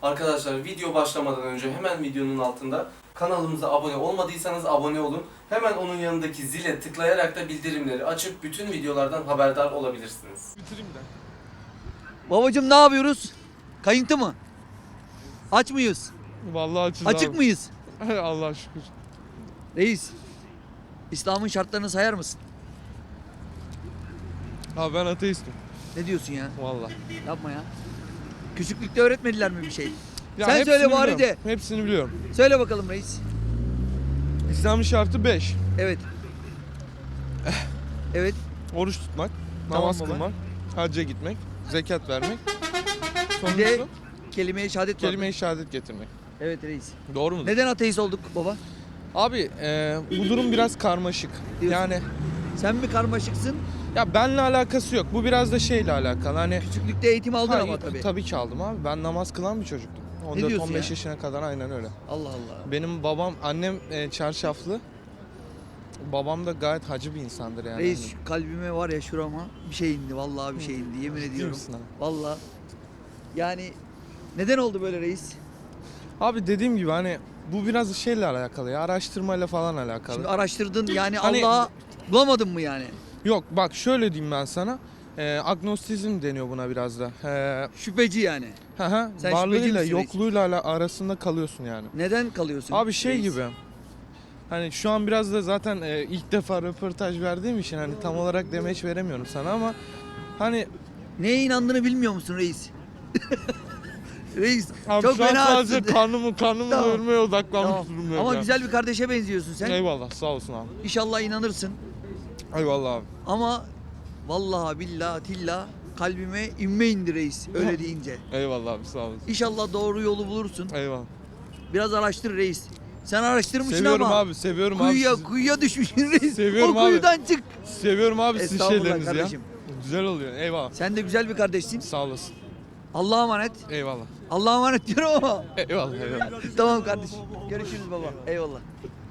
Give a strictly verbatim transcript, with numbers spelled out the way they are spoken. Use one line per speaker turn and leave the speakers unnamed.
Arkadaşlar video başlamadan önce hemen videonun altında kanalımıza abone olmadıysanız abone olun. Hemen onun yanındaki zile tıklayarak da bildirimleri açıp bütün videolardan haberdar olabilirsiniz.
Bitireyim de.
Babacım ne yapıyoruz? Kayıntı mı? Aç mıyız?
Vallahi açız
Açık
abi.
mıyız?
Allah'a şükür.
Reis, İslam'ın şartlarını sayar mısın?
Abi ben ateistim.
Ne diyorsun ya?
Vallahi.
Yapma ya. Küçüklükte öğretmediler mi bir şey?
Ya
Sen
hepsini
söyle bari
biliyorum.
de.
Hepsini biliyorum.
Söyle bakalım reis.
İslam'ın şartı beş.
Evet. Evet.
Oruç tutmak,
Tamam
namaz
baba.
kılmak, hacca gitmek, zekat vermek.
Bir de
Sonrası
kelime-i şehadet var.
kelime-i şehadet getirmek.
Evet reis.
Doğru mu?
Neden ateist olduk baba?
Abi e, bu durum biraz karmaşık.
Diyorsun.
Yani
Sen mi karmaşıksın?
ya benle alakası yok. Bu biraz da şeyle alakalı. Hani
Küçüklükte eğitim aldın
Ha,
ama tabii.
Tabii ki aldım abi. Ben namaz kılan bir çocuktum. on dört
diyorsun
on beş
ya?
yaşına kadar aynen öyle.
Allah Allah.
Benim babam, annem e, çarşaflı. Babam da gayet hacı bir insandır yani.
Reis şu kalbime var ya şurama bir şey indi. Vallahi bir şey indi. Yemin
Ciddi
ediyorum.
misin abi?
Vallahi. Yani neden oldu böyle reis?
Abi dediğim gibi hani bu biraz şeyle alakalı ya, araştırmayla falan alakalı.
Şimdi araştırdın yani
Hani-
Allah'a bulamadın mı yani?
Yok bak şöyle diyeyim ben sana. E, agnostizm deniyor buna biraz da. E,
Şüpheci yani.
hı hı,
Sen
varlığıyla
şüpheci misin reis?
yokluğuyla ala- arasında kalıyorsun yani.
Neden kalıyorsun?
Abi şey
reis?
gibi. Hani şu an biraz da zaten e, ilk defa röportaj verdiğim için hani tam olarak demeç veremiyorum sana ama hani
Neye inandığını bilmiyor musun reis? Reis
abi
çok
şu an
fena
sadece
atsın.
karnımı karnımı
Tamam.
doyurmaya odaklanmış
Tamam.
durumdayım
Ama
ya.
güzel bir kardeşe benziyorsun sen.
Eyvallah sağ olsun abi.
İnşallah inanırsın.
Eyvallah abi.
Ama vallahi billahi tilla kalbime inme indi reis öyle deyince.
Eyvallah abi sağ olasın.
İnşallah doğru yolu bulursun.
Eyvallah.
Biraz araştır reis. Sen araştırmışsın
Seviyorum
ama.
abi seviyorum
Kuyuya
abi. sizi.
kuyuya düşmüşsün reis.
Seviyorum
o
abi.
kuyudan çık.
Seviyorum abi sizin
Estağfurullah
şeylerinizi
kardeşim.
ya. Güzel oluyor eyvallah.
Sen de güzel bir kardeşsin.
Sağ olasın.
Allah'a emanet.
Eyvallah.
Allah'a emanet diyorum ama.
Eyvallah eyvallah.
Tamam kardeşim. Görüşürüz baba. Eyvallah.